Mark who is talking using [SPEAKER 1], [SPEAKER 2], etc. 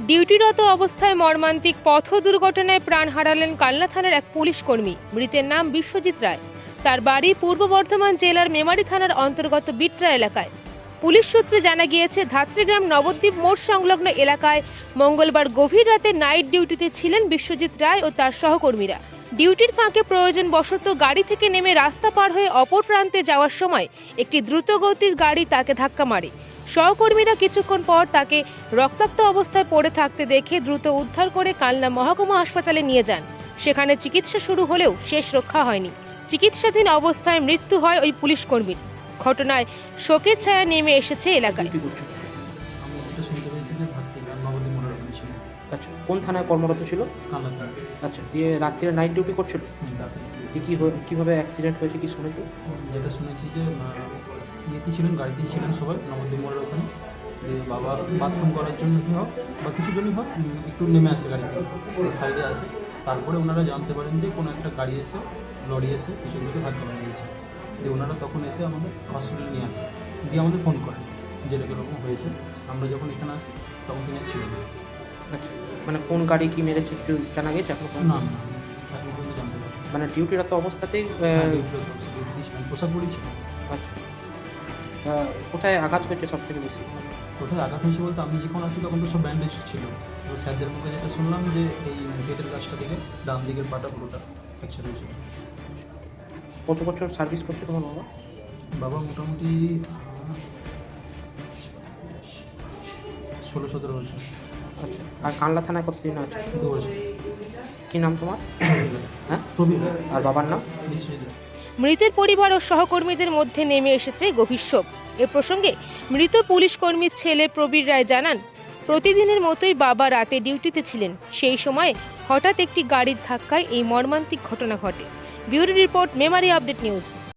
[SPEAKER 1] ডিউটিরত অবস্থায় মর্মান্তিক পথ দুর্ঘটনায় প্রাণ হারালেন কালনা থানার এক পুলিশ কর্মী। মৃতের নাম বিশ্বজিৎ রায়। তার বাড়ি পূর্ব বর্ধমান জেলার মেমারি থানার অন্তর্গত বিট্রা এলাকায়। পুলিশ সূত্রে জানা গিয়েছে, ধাত্রীগ্রাম নবদ্বীপ মোড় সংলগ্ন এলাকায় মঙ্গলবার গভীর রাতে নাইট ডিউটিতে ছিলেন বিশ্বজিৎ রায় ও তার সহকর্মীরা। ডিউটির ফাঁকে প্রয়োজনবশত গাড়ি থেকে নেমে রাস্তা পার হয়ে অপর প্রান্তে যাওয়ার সময় একটি দ্রুতগতির গাড়ি তাকে ধাক্কা মারে। সহকর্মীরা কিছুক্ষণ পর তাকে রক্তাক্ত অবস্থায় পড়ে থাকতে দেখে দ্রুত উদ্ধার করে কালনা মহকুমা হাসপাতালে নিয়ে যান। সেখানে চিকিৎসা শুরু হলেও শেষ রক্ষা হয়নি। চিকিৎসাধীন অবস্থায় মৃত্যু হয় ওই পুলিশ কর্মীর। ঘটনায় শোকের ছায়া নেমে এসেছে এলাকায়।
[SPEAKER 2] আচ্ছা, কোন থানায় কর্মরত ছিল?
[SPEAKER 3] কালনা থানা।
[SPEAKER 2] আচ্ছা, দিয়ে রাত্রিরে নাইট ডিউটি করছিল? কীভাবে অ্যাক্সিডেন্ট হয়েছে কি শুনেছো?
[SPEAKER 3] যেটা শুনেছি যে ইয়েতে ছিলেন, গাড়িতেই ছিলেন সবাই নবদ্বীপ মোড়ের ওখানে। দিয়ে বাবা বাথরুম করার জন্য হোক বা কিছু জন্যই হোক একটু নেমে আসে গাড়ি থেকে, এই সাইডে আসে। তারপরে ওনারা জানতে পারেন যে কোনো একটা গাড়ি এসে, লরি এসে পিছন দিকে ধাক্কা মেরে দিয়েছে। দিয়ে ওনারা তখন এসে আমাদের হসপিটালে নিয়ে আসে, দিয়ে আমাদের ফোন করেন যে এরকম হয়েছে। আমরা যখন এখানে আসি তখন তিনি ছিলেন।
[SPEAKER 2] আচ্ছা, মানে কোন গাড়ি কি মেরেছে কিছু জানা গেছে এখন?
[SPEAKER 3] না না, এখন পর্যন্ত জানতে পারি।
[SPEAKER 2] মানে ডিউটিরত অবস্থাতেই
[SPEAKER 3] পোশাক পরেছিল।
[SPEAKER 2] আচ্ছা, কোথায় আঘাত হয়েছে সব থেকে বেশি?
[SPEAKER 3] কোথায় আঘাত হয়েছে বলতে, আমি যখন আসি তখন তো সব ব্যান্ডেজ ছিল। তো স্যারদের মুখে যেটা শুনলাম যে এই পেটের গাছটা দিকে ডান দিকের পাটা পুরোটা ফ্র্যাকচার হয়েছিল।
[SPEAKER 2] কত বছর সার্ভিস করছে তোমার বাবা?
[SPEAKER 3] বাবা মোটামুটি 16-17 বছর।
[SPEAKER 2] আচ্ছা, আর কানলা থানায় কতদিন আছে?
[SPEAKER 3] 2 বছর।
[SPEAKER 2] কী নাম তোমার? হ্যাঁ,
[SPEAKER 3] প্রবীর।
[SPEAKER 2] আর বাবার নাম?
[SPEAKER 3] বিশ্বজিৎ।
[SPEAKER 1] মৃতের পরিবার ও সহকর্মীদের মধ্যে নেমে এসেছে গভীর শোক। এ প্রসঙ্গে মৃত পুলিশ কর্মীর ছেলে প্রবীর রায় জানান, প্রতিদিনের মতোই বাবা রাতে ডিউটিতে ছিলেন। সেই সময় হঠাৎ একটি গাড়ির ধাক্কায় এই মর্মান্তিক ঘটনা ঘটে। Bureau report, Memari update news.